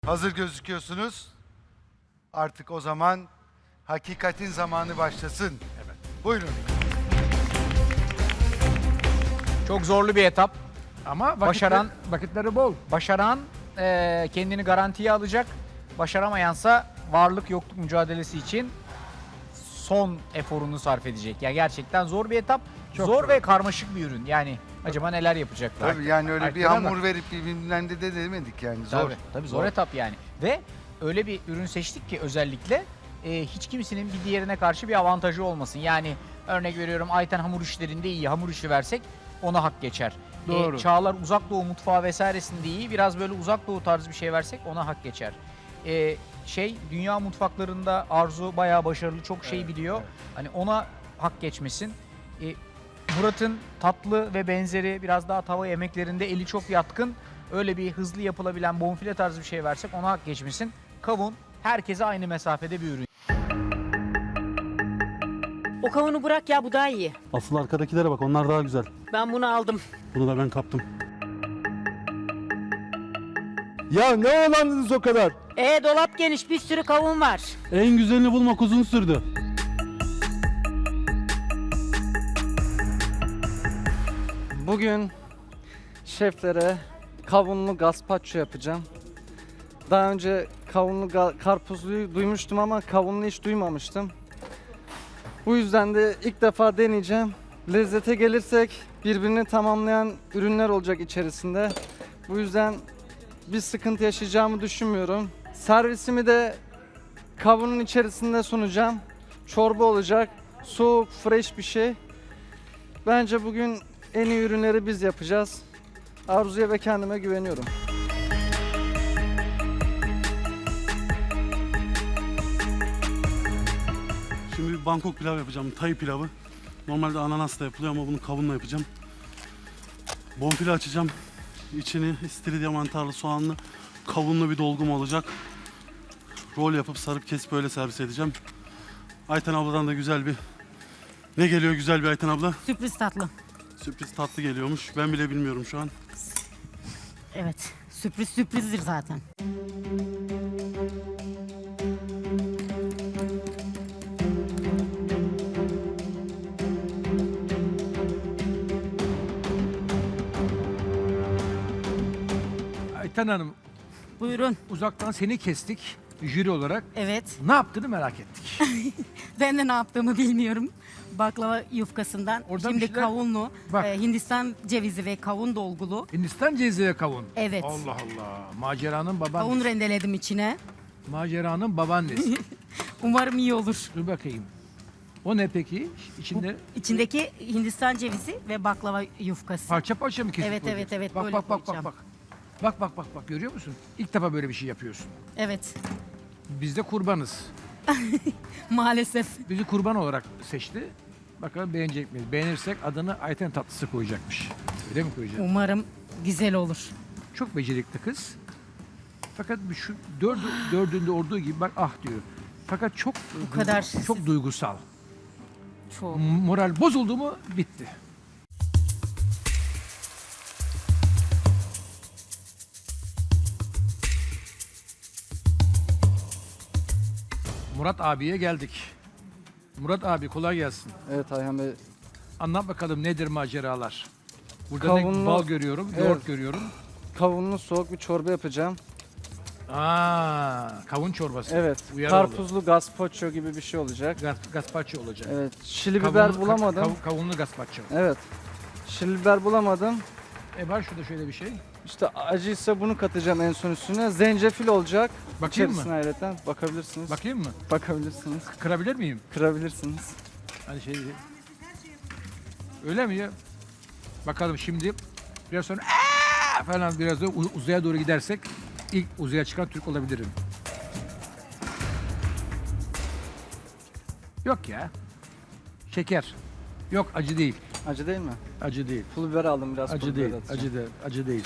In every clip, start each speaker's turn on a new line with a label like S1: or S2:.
S1: Hazır gözüküyorsunuz. Artık o zaman hakikatin zamanı başlasın. Evet. Buyurun.
S2: Çok zorlu bir etap.
S3: Ama vakitleri bol.
S2: Başaran kendini garantiye alacak. Başaramayansa varlık yokluk mücadelesi için son eforunu sarf edecek. Yani gerçekten zor bir etap.
S3: Çok
S2: zor
S3: zor.
S2: ve karmaşık bir ürün. Yani acaba neler yapacaklar?
S1: Tabii yani öyle bir
S3: Arkada
S1: hamur verip birbirinden de demedik yani. Zor.
S2: Tabii zor etap yani. Ve öyle bir ürün seçtik ki özellikle hiç kimsenin bir diğerine karşı bir avantajı olmasın. Yani örnek veriyorum Ayten hamur işlerinde iyi. Hamur işi versek ona hak geçer.
S3: Doğru.
S2: Çağlar uzak doğu mutfağı vesairesinde iyi. Biraz böyle uzak doğu tarzı bir şey versek ona hak geçer. Dünya mutfaklarında Arzu bayağı başarılı, çok şey biliyor.
S1: evet.
S2: Hani ona hak geçmesin. Murat'ın tatlı ve benzeri biraz daha tava yemeklerinde eli çok yatkın. Öyle bir hızlı yapılabilen bonfile tarzı bir şey versek ona hak geçmesin. Kavun herkese aynı mesafede bir ürün.
S4: O kavunu bırak ya, bu daha iyi.
S5: Asıl arkadakilere bak, onlar daha güzel.
S4: Ben bunu aldım.
S5: Bunu da ben kaptım.
S6: Ya ne olandınız o kadar?
S4: Dolap geniş, bir sürü kavun var.
S5: En güzelini bulmak uzun sürdü.
S7: Bugün şeflere kavunlu gazpacho yapacağım. Daha önce kavunlu karpuzluyu duymuştum ama kavunlu hiç duymamıştım. Bu yüzden de ilk defa deneyeceğim. Lezzete gelirsek birbirini tamamlayan ürünler olacak içerisinde. Bu yüzden bir sıkıntı yaşayacağımı düşünmüyorum. Servisimi de kavunun içerisinde sunacağım. Çorba olacak. Soğuk, fresh bir şey. Bence bugün en iyi ürünleri biz yapacağız. Arzu'ya ve kendime güveniyorum.
S5: Şimdi bir Bangkok pilav yapacağım, Tay pilavı. Normalde ananasla yapılıyor ama bunu kavunla yapacağım. Bonfile açacağım. İçini istiridye mantarlı, soğanlı, kavunlu bir dolgum olacak. Rol yapıp sarıp kesip böyle servis edeceğim. Ayten abladan da güzel bir... Ne geliyor güzel bir Ayten abla?
S4: Sürpriz tatlı.
S5: Sürpriz tatlı geliyormuş. Ben bile bilmiyorum şu an.
S4: Evet, sürprizdir zaten.
S3: Ayten Hanım,
S4: Buyurun.
S3: uzaktan seni kestik jüri olarak.
S4: Evet,
S3: Ne yaptığını merak ettik.
S4: ben de ne yaptığımı bilmiyorum. Baklava yufkasından,
S3: Oradan
S4: şimdi
S3: bir şeyler-
S4: kavunlu,
S3: Bak.
S4: Hindistan cevizi ve kavun dolgulu.
S3: Hindistan cevizi ve kavun.
S4: Evet.
S3: Allah Allah. Maceranın
S4: Kavun
S3: babaannesi.
S4: rendeledim içine.
S3: Maceranın babaannesi.
S4: Umarım iyi olur.
S3: Dur bakayım. O ne peki? İçinde
S4: İçindeki Hindistan cevizi ve baklava yufkası.
S3: parça parça mı kesip
S4: Evet,
S3: koyacaksın?
S4: evet,
S3: Bak
S4: böyle
S3: bak bak bak
S4: koyacağım.
S3: bak. Bak görüyor musun? İlk defa böyle bir şey yapıyorsun.
S4: Evet,
S3: Biz de kurbanız.
S4: maalesef.
S3: Bizi kurban olarak seçti. Bakalım beğenecek miyiz? Beğenirsek adını Ayten tatlısı koyacakmış. Öyle mi koyacak?
S4: Umarım güzel olur.
S3: Çok becerikli kız. Fakat şu dördünde olduğu gibi bak ah diyor. Fakat çok
S4: kadar
S3: çok duygusal.
S4: Çok.
S3: Moral bozuldu mu bitti. Murat abiye geldik. Murat abi kolay gelsin.
S7: Evet Ayhan Bey.
S3: Anlat bakalım nedir maceralar? Burada
S7: Kavunlu-
S3: ne bal görüyorum,
S7: Evet.
S3: yoğurt görüyorum.
S7: Kavunlu soğuk bir çorba yapacağım.
S3: Kavun çorbası.
S7: Evet.
S3: Uyarı oldu.
S7: Karpuzlu gazpacho gibi bir şey olacak.
S3: Gazpacho olacak.
S7: Evet. Şili biber bulamadım.
S3: Kavunlu gazpacho.
S7: Evet. Şili biber bulamadım.
S3: Var şurada şöyle bir şey.
S7: İşte acıysa bunu katacağım en son üstüne. Zencefil olacak.
S3: Bakayım mı?
S7: İçerisine ayrıca bakabilirsiniz.
S3: Bakayım mı?
S7: Bakabilirsiniz.
S3: Kırabilir miyim?
S7: Kırabilirsiniz.
S3: Hani şey değil. Öyle mi ya? Bakalım şimdi biraz sonra falan biraz da uzaya doğru gidersek ilk uzaya çıkan Türk olabilirim. Yok ya. Şeker. Yok acı değil.
S7: Acı değil mi?
S3: Acı değil.
S7: Pul biber aldım biraz.
S3: Acı
S7: pul
S3: değil.
S7: biber atacağım.
S3: Acı değil. Acı değil.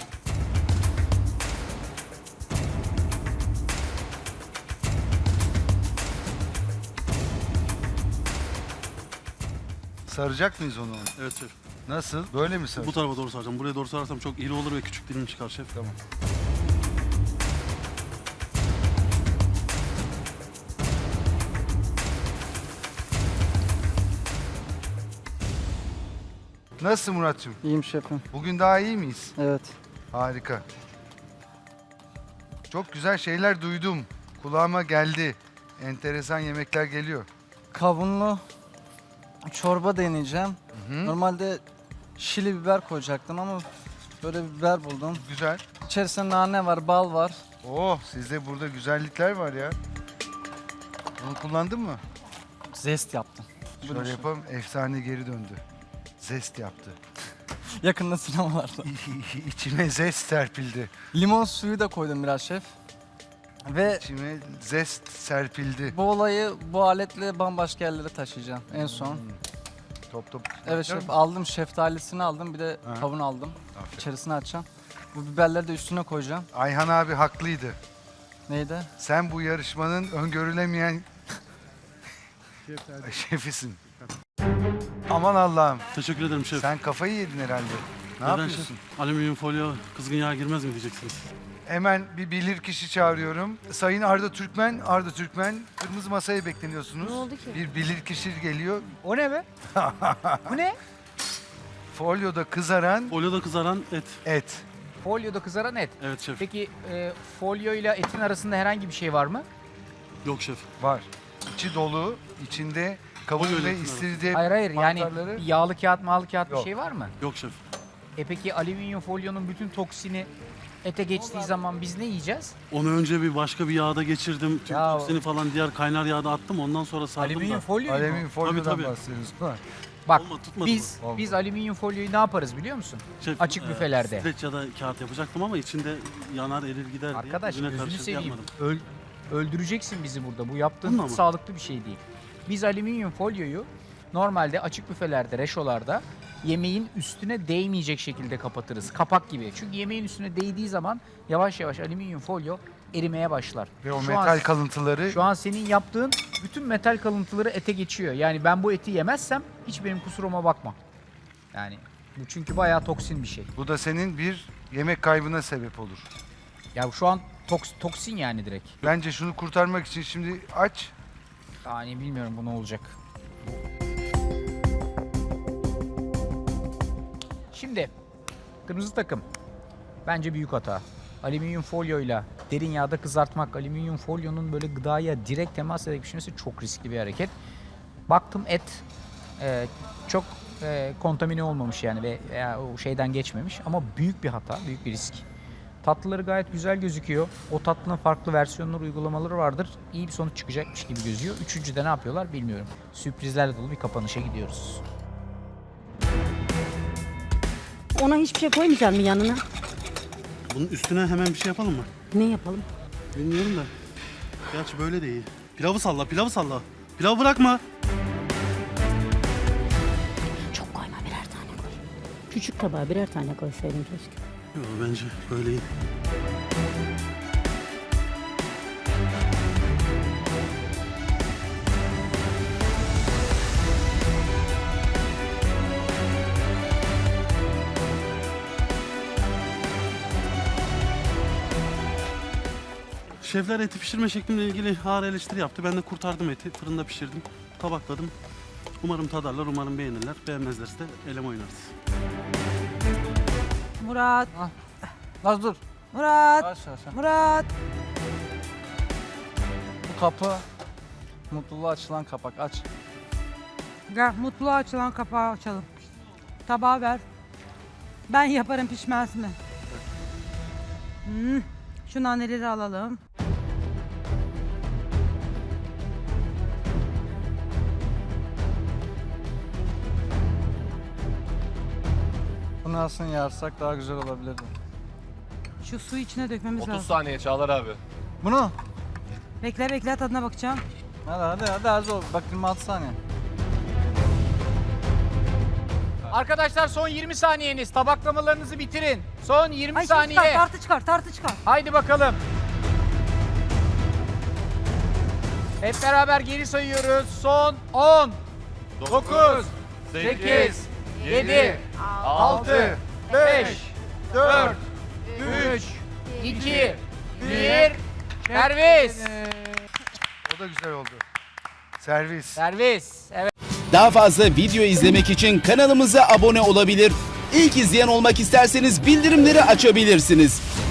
S1: Saracak mıyız onu?
S5: Evet şef.
S1: Nasıl? Böyle mi
S5: Bu
S1: saracak?
S5: tarafa doğru saracağım. Buraya doğru sararsam çok iri olur ve küçük dilim çıkar şef.
S1: Tamam. Nasılsın Murat'cığım?
S7: İyiyim şefim.
S1: Bugün daha iyi miyiz?
S7: Evet.
S1: Harika. Çok güzel şeyler duydum. Kulağıma geldi. Enteresan yemekler geliyor.
S7: Kavunlu çorba deneyeceğim. Normalde şili biber koyacaktım ama böyle bir biber buldum.
S1: Güzel.
S7: İçerisinde nane var, bal var.
S1: Oh, sizde burada güzellikler var ya. Bunu kullandın mı?
S7: Zest yaptım.
S1: Şöyle yapalım. Efsane geri döndü. Zest yaptı.
S7: Yakında sinemalarda.
S1: İçime zest serpildi.
S7: Limon suyu da koydum biraz şef. Ve
S1: İçime zest serpildi.
S7: bu olayı bu aletle bambaşka yerlere taşıyacağım en son.
S1: Top top.
S7: Evet şef, aldım şeftalisini aldım, bir de
S1: Ha.
S7: kavun aldım.
S1: Aferin.
S7: İçerisine açacağım. Bu biberleri de üstüne koyacağım.
S1: Ayhan abi haklıydı.
S7: Neydi?
S1: Sen bu yarışmanın öngörülemeyen şefisin. Aman Allah'ım.
S5: Teşekkür ederim şef.
S1: Sen kafayı yedin herhalde. Ne
S5: Neden
S1: yapıyorsun?
S5: şef? Alüminyum folyo kızgın yağ girmez mi diyeceksiniz?
S1: Hemen bir bilirkişi çağırıyorum. Sayın Arda Türkmen, Arda Türkmen, kırmızı masaya bekleniyorsunuz.
S4: Ne oldu ki?
S1: Bir bilirkişi geliyor.
S2: O ne be? Bu ne?
S1: Folyoda kızaran
S5: Folyoda kızaran et.
S1: et.
S2: Folyoda kızaran et.
S5: Evet şef.
S2: Peki folyo ile etin arasında herhangi bir şey var mı?
S5: Yok şef.
S1: Var. İçi dolu, içinde kavun
S5: Folyo
S1: ve
S5: etin
S1: istiridye
S2: Hayır hayır, yani
S1: mantarları.
S2: bir yağlı kağıt mağlı kağıt bir
S1: Yok.
S2: şey var mı?
S5: Yok şef.
S2: Peki alüminyum folyonun bütün toksini ete geçtiği zaman biz ne yiyeceğiz?
S5: Onu önce bir başka bir yağda geçirdim. Tüm
S2: Ya-
S5: toksini falan diğer kaynar yağda attım. Ondan sonra sardım
S2: Alüminyum
S5: da.
S2: folyo mu?
S1: Alüminyum folyodan
S5: Tabii, tabii.
S1: bahsediyoruz. Değil mi?
S2: Bak
S5: Olmadı, tutmadı
S2: biz
S1: mı?
S2: biz alüminyum folyoyu ne yaparız biliyor musun?
S5: Şef,
S2: Açık büfelerde.
S5: Streç ya da kağıt yapacaktım ama içinde yanar erir gider diye.
S2: Arkadaş
S5: yüzüne
S2: gözünü
S5: karşı
S2: seveyim.
S5: yapmadım.
S2: Öldüreceksin bizi burada. Bu yaptığın
S5: Bununla
S2: hiç
S5: mı?
S2: sağlıklı bir şey değil. Biz alüminyum folyoyu normalde açık büfelerde, reşolarda yemeğin üstüne değmeyecek şekilde kapatırız. Kapak gibi. Çünkü yemeğin üstüne değdiği zaman yavaş yavaş alüminyum folyo erimeye başlar.
S1: Ve o
S2: Şu
S1: metal
S2: an-
S1: kalıntıları
S2: Şu an senin yaptığın bütün metal kalıntıları ete geçiyor. Yani ben bu eti yemezsem hiç benim kusuruma bakma. Yani bu çünkü bayağı toksin bir şey.
S1: bu da senin bir yemek kaybına sebep olur.
S2: Ya şu an toksin yani direkt.
S1: Bence şunu kurtarmak için şimdi aç.
S2: Yani bilmiyorum bu ne olacak. Şimdi kırmızı takım bence büyük hata. Alüminyum folyoyla derin yağda kızartmak, alüminyum folyonun böyle gıdaya direkt temas ederek pişmesi çok riskli bir hareket. Baktım et çok kontamine olmamış yani ve o şeyden geçmemiş ama büyük bir hata, büyük bir risk. Tatlıları gayet güzel gözüküyor. O tatlının farklı versiyonları, uygulamaları vardır. İyi bir sonuç çıkacakmış gibi gözüyor. Üçüncüde ne yapıyorlar bilmiyorum. Sürprizlerle dolu bir kapanışa gidiyoruz.
S8: Ona hiçbir şey koymayacak mı yanına?
S5: Bunun üstüne hemen bir şey yapalım mı?
S8: Ne yapalım?
S5: Bilmiyorum da. Gerçi böyle de iyi. Pilavı salla, pilavı salla. Pilavı bırakma.
S8: Çok koyma, birer tane koy. Küçük tabağa birer tane koysaydın keşke.
S5: Yok bence böyle iyi. Şefler eti pişirme şeklimle ilgili ağır eleştiri yaptı. Ben de kurtardım eti. Fırında pişirdim. Tabakladım. Umarım tadarlar, umarım beğenirler. Beğenmezlerse de eleme oynarız.
S9: Murat,
S7: Naz dur.
S9: Murat,
S7: Aç aç.
S9: Murat.
S7: Bu kapı mutluluğa açılan kapak, aç.
S9: Gel mutluğa açılan kapağı açalım. Tabağı ver. Ben yaparım pişmesini. Şu naneleri alalım.
S7: Bunu aslında yarsak daha güzel olabilirdi.
S9: Şu suyu içine dökmemiz
S6: 30
S9: lazım.
S6: saniye Çağlar abi.
S7: Bunu?
S9: Bekle bekle tadına bakacağım.
S7: Hadi az ol. Bak 26 saniye.
S2: Arkadaşlar son 20 saniyeniz. Tabaklamalarınızı bitirin. Son 20
S9: Ay
S2: saniye.
S9: çıkar, tartı çıkar, tartı çıkar.
S2: Haydi bakalım. Hep beraber geri sayıyoruz. Son 10, 9, 8, 7, 6, 5, 4, 3, 2, 1. Servis.
S1: O da güzel oldu. Servis.
S2: Servis. Evet.
S10: Daha fazla video izlemek için kanalımıza abone olabilir. İlk izleyen olmak isterseniz bildirimleri açabilirsiniz.